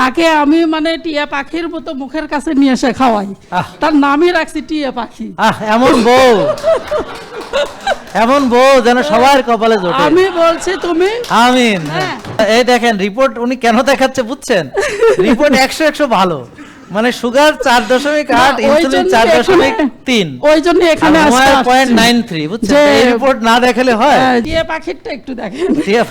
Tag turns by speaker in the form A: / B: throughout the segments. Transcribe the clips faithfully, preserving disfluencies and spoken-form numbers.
A: তাকে আমি মানে টিয়া পাখির মতো মুখের কাছে নিয়ে এসে খাওয়াই, তার নামই রাখছি টিয়া পাখি।
B: আহ এমন বউ, এমন বউ যেন সবার কপালে জোটে।
A: আমি বলছি তুমি
B: আমিন।
A: হ্যাঁ।
B: এই দেখেন রিপোর্ট উনি কেন দেখাচ্ছে বুঝছেন? রিপোর্ট একশো একশো ভালো, মানে সুগার চার দশমিক আট, ইনসুলিন চার দশমিক তিন,
A: ওই জন্য এখানে
B: পয়েন্ট নাইন থ্রি। বুঝছেন, এই রিপোর্ট না দেখালে হয়?
A: টিয়া পাখিরটা একটু দেখেন।
B: টিয়া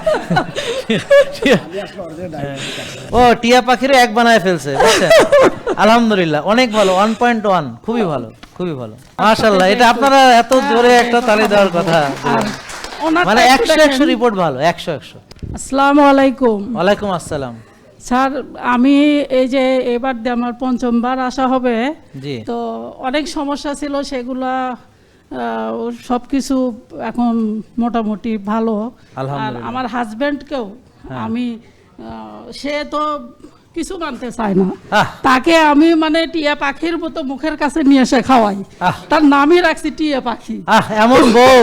B: ও টিয়া পাখিরে এক বানায় ফেলছে, বুঝছেন? আলহামদুলিল্লাহ, অনেক ভালো, ওয়ান পয়েন্ট ওয়ান, খুবই ভালো, খুবই ভালো, মাশাআল্লাহ। এটা আপনারা এত জোরে একটা তালি দেওয়ার কথা, মানে একশো একশো রিপোর্ট ভালো, একশো একশো।
A: আসসালামু আলাইকুম।
B: ওয়ালাইকুম আসসালাম।
A: স্যার, আমি এই যে এবার দিয়ে আমার পঞ্চমবার আসা হবে, তো অনেক সমস্যা ছিল, সেগুলা সব কিছু এখন মোটামুটি ভালো। আর আমার হাজব্যান্ডকেও আমি, সে তো কিছু মানতে চায় না, তাকে আমি মানে টিয়া পাখির মতো মুখের কাছে নিয়ে এসে খাওয়াই, তার নামই রাখছি টিয়া পাখি।
B: আহ এমন বউ,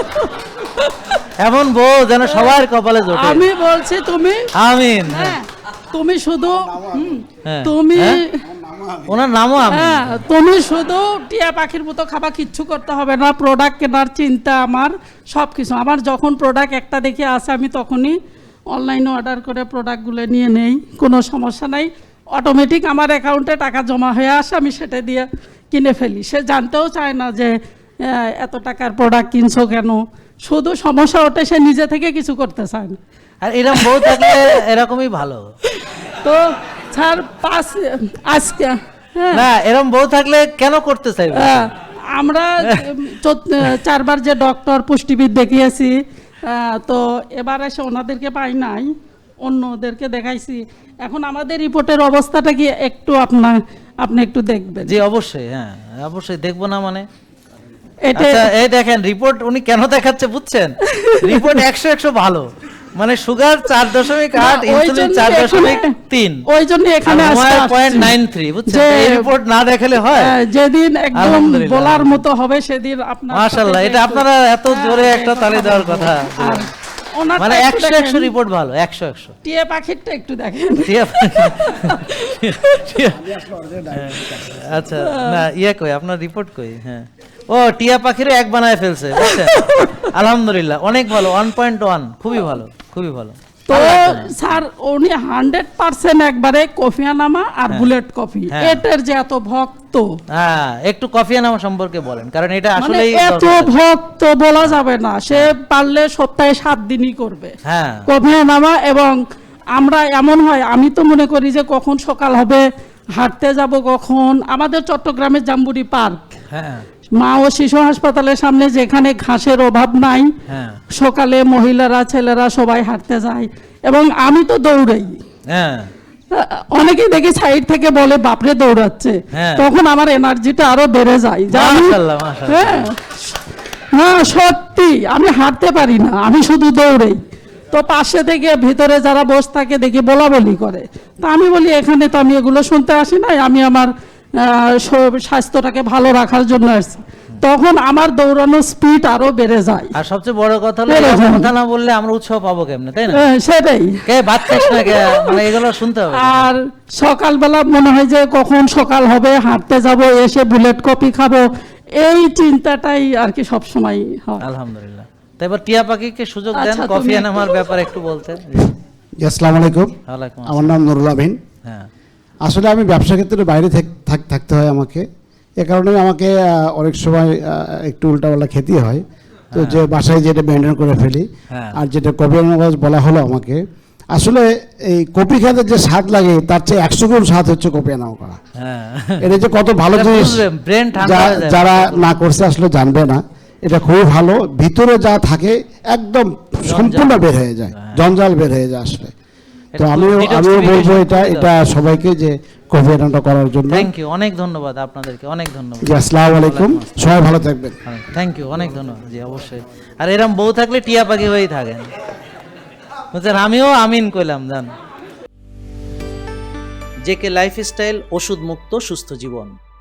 B: এমন বউ যেন সবার কপালে জোটে।
A: আমি বলছি তুমি
B: আমিন।
A: হ্যাঁ, তুমি শুধু তুমি
B: ওনার নামও আমিন।
A: হ্যাঁ, তুমি শুধু টিয়া পাখির মতো খাবার, কিচ্ছু করতে হবে না। প্রোডাক্ট কেনার চিন্তা আমার, সব কিছু আমার, যখন প্রোডাক্ট একটা দেখে আসে আমি তখনই অনলাইনে অর্ডার করে প্রোডাক্টগুলো নিয়ে নেই, কোনো সমস্যা নাই। অটোমেটিক আমার অ্যাকাউন্টে টাকা জমা হয়ে আসে, আমি সেটা দিয়ে কিনে ফেলি। সে জানতেও চায় না যে এত টাকার প্রোডাক্ট কিনছো কেন, শুধু সমস্যা ওঠে সে নিজে থেকে কিছু করতে চায় না।
B: আর এরকম বউ থাকলে এরকমই ভালো।
A: তো স্যার পাঁচ আজকে
B: না, এরকম বউ থাকলে কেন করতে চাইবে?
A: আমরা চারবার যে ডক্টর পুষ্টিবিদ দেখিয়েছি, তো এবার এসে ওনাদেরকে পাই নাই, অন্যদেরকে দেখাইছি। এখন আমাদের রিপোর্টের অবস্থাটা কি একটু আপনার আপনি একটু দেখবেন?
B: জি অবশ্যই, হ্যাঁ অবশ্যই দেখবো না মানে।
A: এটা
B: এই দেখেন রিপোর্ট উনি কেন দেখাচ্ছে বুঝছেন? রিপোর্ট একশো একশো ভালো, মানে সুগার চার দশমিক আট, ইনসুলিন চার দশমিক তিন,
A: ওই জন্য এখানে
B: পয়েন্ট নাইন থ্রি। বুঝছেন, এই রিপোর্ট না দেখালে হয়?
A: যেদিন একদম বলার মতো হবে সেদিন আপনার,
B: মাশাআল্লাহ, এটা আপনারা এত জোরে একটা তালি দেওয়ার কথা, মানে একশো একশো রিপোর্ট ভালো, একশো একশো।
A: টিয়া পাখিরটা একটু দেখেন।
B: আচ্ছা, না ইয়ে কই আপনার রিপোর্ট কই? হ্যাঁ, ও টিয়া পাখিরে এক বানায় ফেলছে, বুঝছেন? আলহামদুলিল্লাহ, অনেক ভালো, ওয়ান পয়েন্ট ওয়ান, খুবই ভালো, খুবই ভালো।
A: তো স্যার উনি হান্ড্রেড পার্সেন্ট একবারে কফিয়ানামা আর বুলেট কফি, এটার যে এত ভক্ত।
B: হ্যাঁ, একটু কফিয়ানামা সম্পর্কে বলেন, কারণ এটা আসলে
A: এত ভক্ত বলা যাবে না, সে পারলে সপ্তাহে সাত দিনই করবে
B: হ্যাঁ
A: কফিয়ানামা। এবং আমরা এমন হয়, আমি তো মনে করি যে কখন সকাল হবে, হাঁটতে যাব কখন। আমাদের চট্টগ্রামের জাম্বুরি পার্ক, হ্যাঁ, মা ও শিশু হাসপাতালের সামনে, যেখানে ঘাসের অভাব নাই, সকালে মহিলারা ছেলেরা সবাই হাঁটতে যায়, এবং আমি তো দৌড়াই। হ্যাঁ, অনেকেই দেখি সাইড থেকে বলে বাপরে দৌড়াচ্ছে, তখন আমার এনার্জিটা আরো বেড়ে যায়। হ্যাঁ হ্যাঁ, সত্যি আমি হাঁটতে পারি না, আমি শুধু দৌড়াই। তো পাশে থেকে ভিতরে যারা বসে থাকে দেখি বলা বলি করে, তা আমি বলি এখানে তো আমি এগুলো শুনতে আসি নাই, আমি আমার স্বাস্থ্যটাকে ভালো রাখার জন্য আসছি। তখন আমার দৌড়ানোর স্পিড আরো বেড়ে যায়।
B: আর সবচেয়ে বড় কথা হলো, কথা না বললে আমরা উৎসাহ পাবো কেমনে, তাই না?
A: সেটাই,
B: কে ভাত খাস না কে, মানে এগুলো শুনতে হবে।
A: আর সকালবেলা মনে হয় যে কখন সকাল হবে, হাঁটতে যাব, এসে বুলেট কফি খাবো, এই চিন্তাটাই আর কি সব সময় হয়।
B: আলহামদুলিল্লাহ। তাই এবার টিয়া পাখিকে সুযোগ দেন কফি আনার ব্যাপারে একটু বলতে।
C: আসসালামু আলাইকুম। আমার নাম নুরুল আমিন। হ্যাঁ, আসলে আমি ব্যবসা ক্ষেত্রে বাইরে থাকতে হয় আমাকে, এ কারণে আমাকে অনেক সময় একটু উল্টাপাল্টা খেতে হয়। তো যে বাসায় যেটা মেনটেন করে ফেলি, আর যেটা কফি আনার বলা হলো আমাকে, আসলে এই কফি খেতে যে স্বাদ লাগে তার চেয়ে একশো গুণ স্বাদ হচ্ছে কফি আনা করা। এটা যে কত ভালো জিনিস, যারা না করছে আসলে জানবে না। এটা খুবই ভালো, ভিতরে যা থাকে একদম সম্পূর্ণ বের হয়ে যায়, জঞ্জাল বের হয়ে যায় আসলে। তো আমিও আমিও বলবো এটা এটা সবাইকে যে কফি আনাটা করার জন্য।
B: থ্যাংক ইউ, অনেক ধন্যবাদ আপনাদেরকে, অনেক ধন্যবাদ।
C: জি, আসসালামু আলাইকুম, সবাই ভালো থাকবেন।
B: থ্যাংক ইউ, অনেক ধন্যবাদ। জি অবশ্যই, আর এরকম বউ থাকলে টিয়া পাখি হয়েই থাকেন, বুঝছেন? আমিও আমিন কইলাম, জান। জেকে লাইফস্টাইল, ওষুধ মুক্ত সুস্থ জীবন।